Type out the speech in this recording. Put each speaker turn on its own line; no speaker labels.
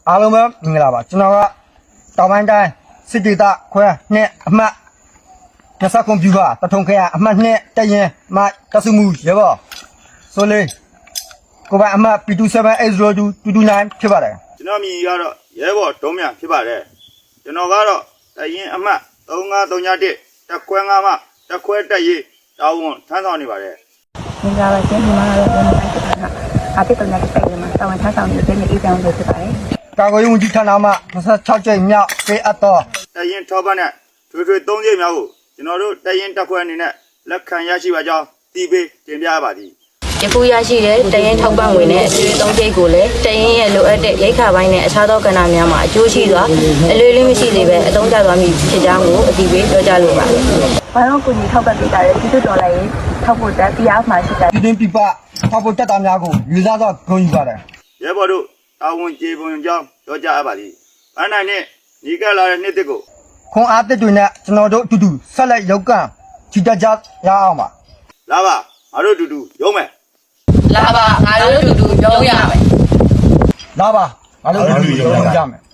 အားလုံးပဲမင်္ဂလာပါကျွန်တော်ကတောင်ပိုင်းတိုင်းစစ်ဒေသခွဲနဲ့အမှတ်20ကွန်ပျူတာတထုံခရအမှတ်2တရင်မတဆူမှုရပါဆိုလေကိုပါအမှတ် P2780229ဖြစ်ပါတယ်
ကျွန်တော်မြည်ကတော့ရဲဘော်ဒုံးမြဖြစ်ပါတယ်ကျွန်တော်ကတော့တရင်အမှတ်3531တက်ခွဲ5မှတက်ခွဲတက်ရေးတာဝန်ထမ်းဆောင်နေပါတယ်
မင်္ဂလာပါရှင်ဒီမှာတော့ကျွန်တော်တိုင်းစစ်ဌာနအာတိတ်တော်များတိုက်ရမှာတာဝန်ထမ်းဆောင်နေတဲ့နေ့အေးချမ်းလို့ဖြစ်ပါတယ်
ကာကွယ်ရေးဝန်ကြီးဌာနမှ26ကျိတ်မြောက်ပေးအပ်သော
တရင်ထောက်ပံ့တဲ့ထွေထွေ3ကျိတ်များကိုကျွန်တော်တို့တရင်တက်ခွဲအနေနဲ့လက်ခံရရှိပါကြောင်းတီးပေးတင်ပြပါသည်
ယခုရရှိတဲ့တရင်ထောက်ပံ့ငွေနဲ့အကျွေးသုံးကျိတ်ကိုလည်းတရင်ရဲ့လိုအပ်တဲ့ရိက္ခာပိုင်းနဲ့အခြားသောကဏ္ဍများမှာအကျိုးရှိစွာအလွယ်လေးမရှိသေးပဲအသုံးချသွားမည်ဖြစ်ကြောင်းကိုအသိပေးပြောကြားလိုပါတယ်
ဘာလို့ကိုကြီးထောက်ပတ်ပေးတာလဲဒီလိုတော်လိုက်ရင်ထောက်ဖို့တက်ပြားမှရှိတာ
ပြည်တွင်းပြည်ပထောက်ပို့တက်တာများကိုယူဆသောဂုဏ်ယူပါတယ်
ရဲဘော်တို့တာဝန်ကျေပွန်ကြောင်းပြောကြားအပ်ပါသည်။အနိုင်နဲ့ညီကလာတဲ့နှစ်တစ်ကို
ခွန်အားတစ်တွေနဲ့ကျွန်တော်တို့အတူတူဆက်လက်ရုပ်ကံချီတက်ကြရအောင်ပါ
လာပါငါတို့အတူတူရုံးမယ်
လာပါငါတို့တူတူရုံးရမယ်
လာပါငါတို့အတူတူရုပ်ကြမယ်